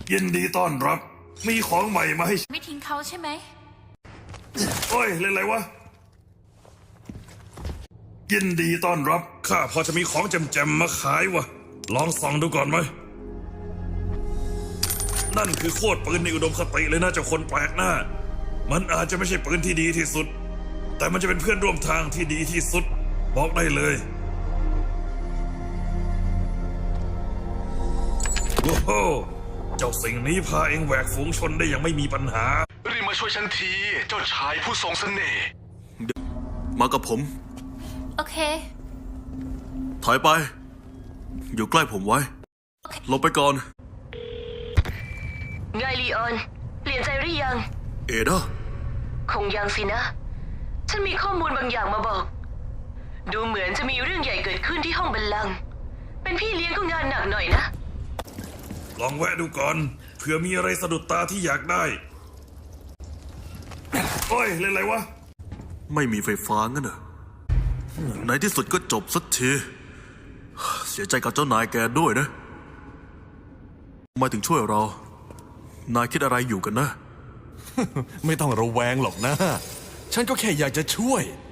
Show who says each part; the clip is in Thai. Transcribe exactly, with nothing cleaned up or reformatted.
Speaker 1: ยินดีต้อนรับมีของใหม่มาให้
Speaker 2: ไม่ทิ้งเขาใช่ไหม
Speaker 1: โอ้ยเล่นอะไรวะยินดีต้อนรับข้าพอจะมีของแจมๆมาขายวะลองส่องดูก่อนไหมนั่นคือโคตรปืนในอุดมคติเลยนะเจ้าคนแปลกหน้ามันอาจจะไม่ใช่ปืนที่ดีที่สุดแต่มันจะเป็นเพื่อนร่วมทางที่ดีที่สุดบอกได้เลยโอ้โหเจ้าสิ่งนี้พาเองแหวกฝูงชนได้อย่างไม่มีปัญหา
Speaker 3: รีบมาช่วยฉันทีเจ้าชายผู้ทรงเสน่ห์
Speaker 4: มากับผม
Speaker 2: โอเค
Speaker 4: ถอยไปอยู่ใกล้ผมไว้ลงไปก่อน
Speaker 5: ไงลีออนเปลี่ยนใจหรือยัง
Speaker 4: เอเดา
Speaker 5: คงยังสินะฉันมีข้อมูลบางอย่างมาบอกดูเหมือนจะมีเรื่องใหญ่เกิดขึ้นที่ห้องบัลลังก์เป็นพี่เลี้ยงก็งานหนักหน่อยนะ
Speaker 1: ลองแวะดูก่อนเผื่อมีอะไรสะดุดตาที่อยากได้โอ้ยเล่นอะไรวะ
Speaker 4: ไม่มีไฟฟ้างั้นเหรอในที่สุดก็จบสักทีเสียใจกับเจ้านายแกด้วยนะมาถึงช่วยเรานายคิดอะไรอยู่กันนะ
Speaker 6: ไม่ต้องระแวงหรอกนะฉันก็แค่อยากจะช่วย